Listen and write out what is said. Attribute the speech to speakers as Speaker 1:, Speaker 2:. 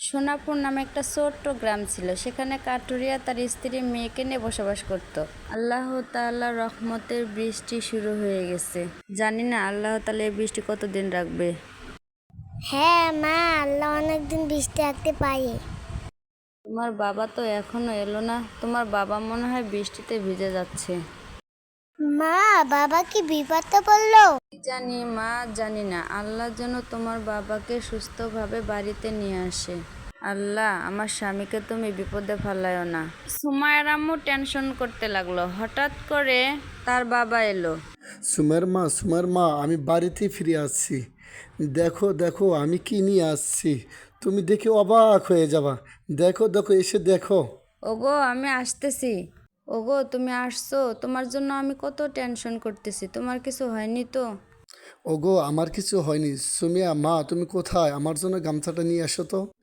Speaker 1: সোনাপুর নামে একটা ছোট্ট গ্রাম ছিল। সেখানে কাঠুরিয়া তার স্ত্রী মেয়েকে নিয়ে বসবাস করত। আল্লাহ তাআলা রহমতের বৃষ্টি শুরু হয়ে গেছে। জানি না আল্লাহ তাআলা এই বৃষ্টি কতদিন রাখবে।
Speaker 2: হ্যাঁ মা, আল্লাহ অনেকদিন বৃষ্টি রাখতে পারে।
Speaker 1: তোমার বাবা তো এখনো এলো না। তোমার বাবা মনে হয় বৃষ্টিতে ভিজে যাচ্ছে।
Speaker 2: মা, বাবা কি বিপদে পড়লো?
Speaker 1: কি জানি মা, জানি না। আল্লাহ যেন তোমার বাবাকে সুস্থভাবে বাড়িতে নিয়ে আসে। আল্লাহ, আমার স্বামীকে তুমি বিপদে ফেলায়ও না। সুমাইয়ার আম্মু টেনশন করতে লাগলো। হঠাৎ করে তার বাবা এলো।
Speaker 3: সুমার মা, আমি বাড়িতে ফিরে আসছি। দেখো দেখো আমি কি নিয়ে আসছি, তুমি দেখে অবাক হয়ে যাবা। দেখো দেখো, এসে দেখো।
Speaker 1: ওগো, আমি আসতেছি। ওগো, তুমি আসছো? তোমার জন্য আমি কত টেনশন করতেছি। তোমার কিছু হয়নি তো?
Speaker 3: ওগো, আমার কিছু হয়নি। সুমিয়া মা, তুমি কোথায়? আমার জন্য গামছাটা নিয়ে আসো তো।